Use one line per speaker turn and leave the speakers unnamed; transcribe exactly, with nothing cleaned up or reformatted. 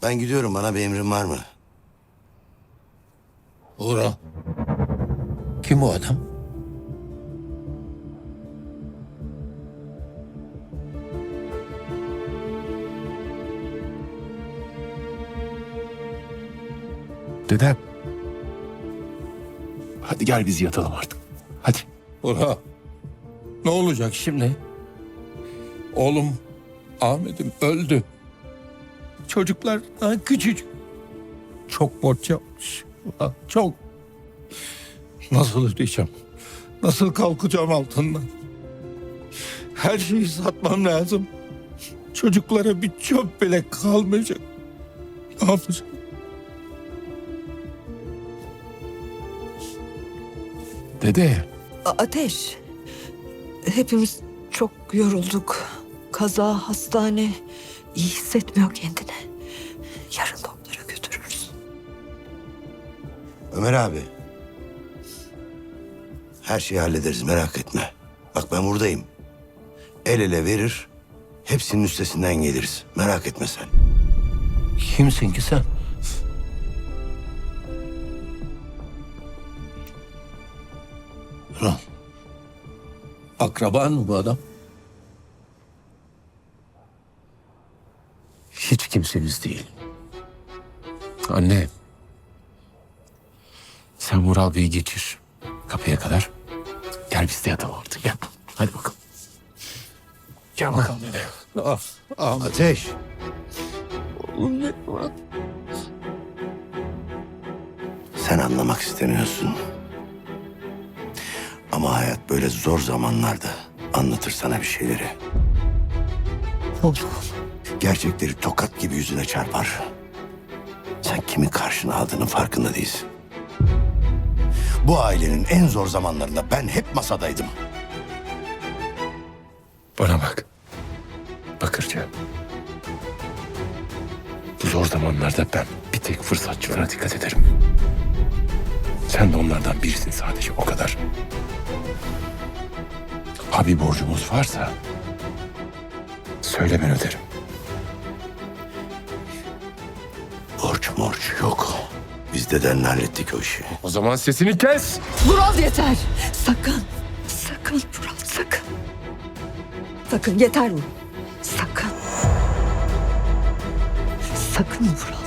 Ben gidiyorum. Bana bir emrin var mı?
Uğra. Kim o adam?
Dedem. Hadi gel biz yatalım artık. Hadi.
Uğra. Ne olacak şimdi? Oğlum Ahmet'im öldü. Çocuklar daha küçücük. Çok borç yapmış. Ulan çok. Nasıl ödeyeceğim? Nasıl kalkacağım altından? Her şeyi satmam lazım. Çocuklara bir çöp bile kalmayacak. Ne yapacağım?
Dede.
A- Ateş, hepimiz çok yorulduk. Kaza, hastane, iyi hissetmiyor kendini. Yarın doktora götürürüz.
Ömer abi. Her şeyi hallederiz, merak etme. Bak ben buradayım. El ele verir, hepsinin üstesinden geliriz. Merak etme sen.
Kimsin ki sen? Lan. Akraban mı bu adam?
Hiç kimsemiz değil. Anne. Sen Mural Bey'i geçir. Kapıya kadar. Gel biz de yatalım artık. Gel. Hadi bakalım. Gel bakalım dede.
Ah, Ahmet.
Ateş.
Oğlum ne var?
Sen anlamak istemiyorsun. Ama hayat böyle zor zamanlarda anlatır sana bir şeyleri. Gerçekleri tokat gibi yüzüne çarpar. Sen kimin karşına aldığının farkında değilsin. Bu ailenin en zor zamanlarında ben hep masadaydım.
Bana bak. Bakırca. Bu zor zamanlarda ben bir tek fırsatçılara dikkat ederim. Sen de onlardan birisin sadece, o kadar. Abi borcumuz varsa söyle, ben öderim.
Borç morç yok. Biz dedenle hallettik o işi.
O zaman sesini kes.
Vural yeter. Sakın, sakın Vural sakın. Sakın yeter mi? Sakın. Sakın Vural.